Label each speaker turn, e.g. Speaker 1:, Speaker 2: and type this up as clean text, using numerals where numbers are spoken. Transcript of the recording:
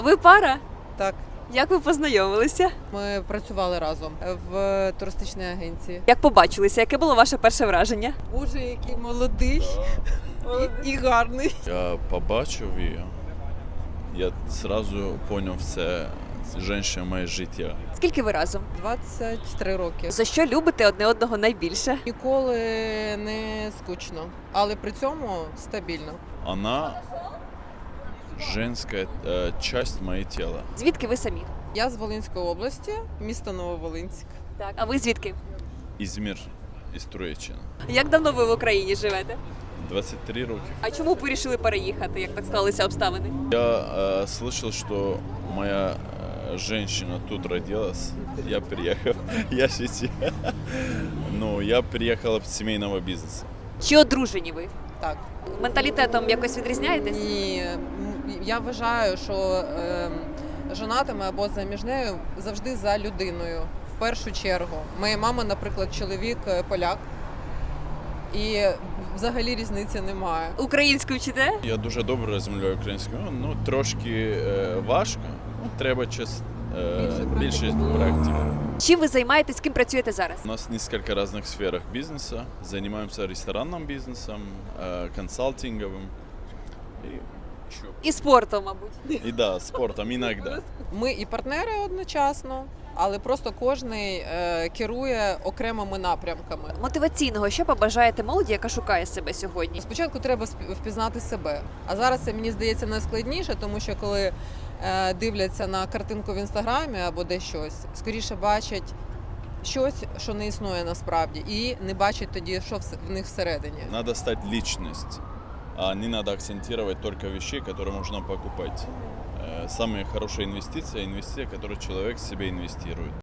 Speaker 1: Ви пара?
Speaker 2: Так,
Speaker 1: Як ви познайомилися?
Speaker 2: ми працювали разом в туристичній агенції.
Speaker 1: Як побачилися? Яке було ваше перше враження?
Speaker 2: Боже, який молодий і гарний.
Speaker 3: Я побачив її, я одразу зрозумів, це жінка моє життя.
Speaker 1: Скільки ви разом?
Speaker 2: 23 роки.
Speaker 1: За що любите одне одного найбільше?
Speaker 2: Ніколи не скучно, але при цьому стабільно.
Speaker 3: Вона женська часть моєї тіла.
Speaker 1: Звідки ви самі?
Speaker 2: Я з Волинської області, місто Нововолинськ.
Speaker 1: Так. А ви звідки?
Speaker 3: Ізмір із Троєщини.
Speaker 1: Як давно ви в Україні живете?
Speaker 3: 23 роки.
Speaker 1: А чому ви вирішили переїхати, як так склалися обставини?
Speaker 3: Я слышал, что моя женщина тут родилась. Я приехал. Я шутил. Ну, я приехал от семейного бизнеса.
Speaker 1: Чи одружені ви?
Speaker 2: Так.
Speaker 1: Менталітетом якось відрізняєтесь?
Speaker 2: І я вважаю, що жонатими або заміжнею завжди за людиною. В першу чергу. Моя мама, наприклад, чоловік поляк. І взагалі різниці немає.
Speaker 1: Українську вчите?
Speaker 3: Я дуже добре розмовляю українською, ну трошки важко. Ну, треба більше практики.
Speaker 1: Чим ви займаєтесь, ким працюєте зараз?
Speaker 3: У нас несколько разных сферах бизнеса. Занимаемся ресторанным бизнесом, консалтинговым и еще.
Speaker 1: І спортом, мабуть.
Speaker 3: И да, спортом иногда.
Speaker 2: Ми і партнери одночасно, але просто кожний керує окремими напрямками.
Speaker 1: Мотиваційного, що побажаєте молоді, яка шукає себе сьогодні?
Speaker 2: Спочатку треба впізнати себе. А зараз це, мені здається, найскладніше, тому що коли дивляться на картинку в інстаграмі або десь щось, скоріше бачать щось, що не існує насправді, і не бачать тоді, що в них всередині.
Speaker 3: Надо стать личность, а не надо акцентировать только вещи, которые можно покупать. Самая хорошая инвестиция – инвестиция, которую человек в себя инвестирует.